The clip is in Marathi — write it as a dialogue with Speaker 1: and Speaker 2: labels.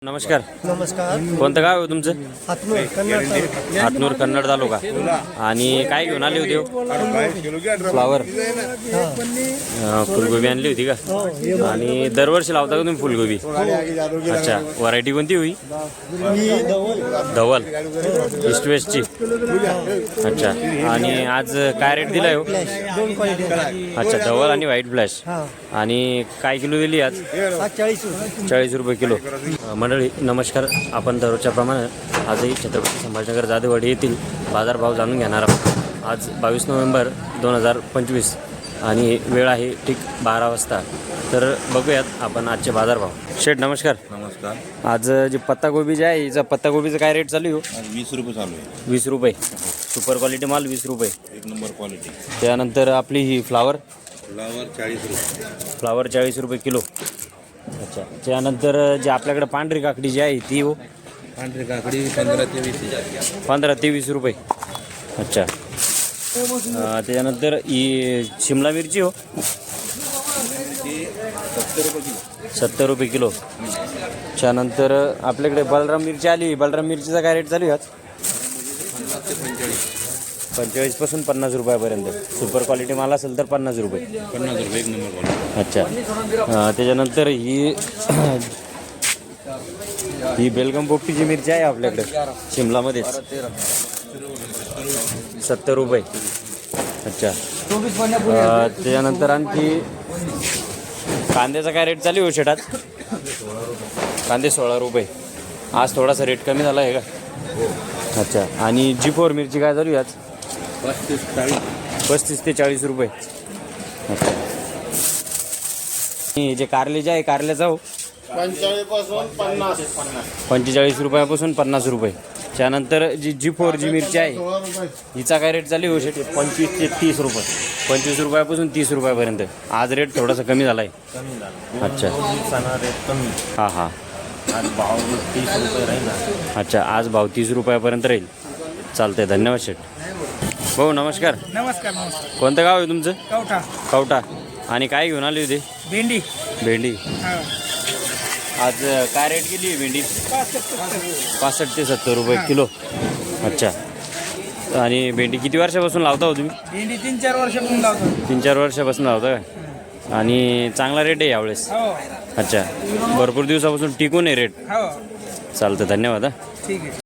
Speaker 1: नमस्कार.
Speaker 2: नमस्कार.
Speaker 1: कोणतं गाव आहे तुमचं?
Speaker 2: हातनूर कन्नड तालुका.
Speaker 1: हातनूर कन्नड तालुका. आणि काय घेऊन आली होती? फ्लावर फुलगोबी आणली होती का? आणि दरवर्षी लावता का तुम्ही फुलगोबी? अच्छा, व्हरायटी कोणती होई? धवल ईस्ट वेस्टची. अच्छा, आणि आज काय रेट दिलाय हो?
Speaker 2: दोन क्वालिटी.
Speaker 1: अच्छा, धवल आणि व्हाईट फ्लॅश. आणि काय किलो दिली आज? 40 रुपये किलो. मंडळी नमस्कार. आपण दररोजच्या प्रमाणे आजही छत्रपती संभाजीनगर जादेवाडी येथील बाजारभाव जाणून घेणार आहोत. आज 22 नोव्हेंबर 2025 आणि वेळ आहे ठीक 12 वाजता. तर बघूयात आपण आजचे बाजारभाव. शेठ नमस्कार.
Speaker 3: नमस्कार.
Speaker 1: आज जी पत्तागोबी जी आहे हिचा पत्तागोबीचा काय रेट चालू आहे?
Speaker 3: 20 रुपये चालू आहे.
Speaker 1: 20 रुपये. सुपर क्वालिटी माल 20 रुपये.
Speaker 3: एक नंबर क्वालिटी.
Speaker 1: त्यानंतर आपली ही फ्लावर
Speaker 3: फ्लावर 40 रुपये.
Speaker 1: फ्लावर 40 रुपये किलो. अच्छा, त्यानंतर जे आपल्याकडे पांढरी काकडी जी आहे ती हो?
Speaker 3: पांढरी काकडी 15 ते 20.
Speaker 1: 15 ते 20 रुपये. अच्छा, त्यानंतर ही शिमला मिरची हो? 70 रुपये किलो. त्यानंतर आपल्याकडे बलराम मिरची आली. बलराम मिरचीचा काय रेट चालू आहे आज? 45 पासून 50 रुपयापर्यंत. सुपर क्वालिटी माल असेल तर 50 रुपये.
Speaker 3: 50 रुपये एक नंबर क्वालिटी.
Speaker 1: अच्छा, त्याच्यानंतर ही बेलगम पोपटीची मिरची आहे आपल्याकडे शिमलामध्येच 70 रुपये. अच्छा, त्याच्यानंतर आणखी कांद्याचा काय रेट चालू आहे शेतात? कांदे 16 रुपये. आज थोडासा रेट कमी झाला आहे का? अच्छा, आणि G4 मिरची काय चालू आहे आज? 35 ते 40 रुपये. अच्छा, जे कारले जे आहे कारल्याचा हो? 45 रुपयापासून 50 रुपये. त्यानंतर जी G4 जी मिरची आहे हिचा काय रेट चालू आहे?
Speaker 3: 25 ते 30 रुपये.
Speaker 1: 25 रुपयापासून 30 रुपयापर्यंत. आज रेट थोडासा कमी झाला आहे. अच्छा,
Speaker 3: रेट कमी.
Speaker 1: हां हां.
Speaker 3: आज भाव 30 रुपये राहील.
Speaker 1: अच्छा, आज भाव 30 रुपयापर्यंत राहील. चालतंय, धन्यवाद शेठ. भाऊ नमस्कार.
Speaker 2: नमस्कार.
Speaker 1: कोणतं गाव आहे तुमचं?
Speaker 2: कवठा.
Speaker 1: कवठा. आणि काय घेऊन आली होती?
Speaker 2: भेंडी.
Speaker 1: भेंडी. आज काय रेट गेली आहे भेंडी? 65 ते 70 रुपये किलो. अच्छा, आणि भेंडी किती वर्षापासून लावता हो तुम्ही?
Speaker 2: भेंडी 3-4 वर्षापासून लावतो.
Speaker 1: 3-4 वर्षापासून लावता का? आणि चांगला रेट आहे यावेळेस? अच्छा, भरपूर दिवसापासून टिकून आहे रेट. चालतं, धन्यवाद.
Speaker 2: ठीक आहे.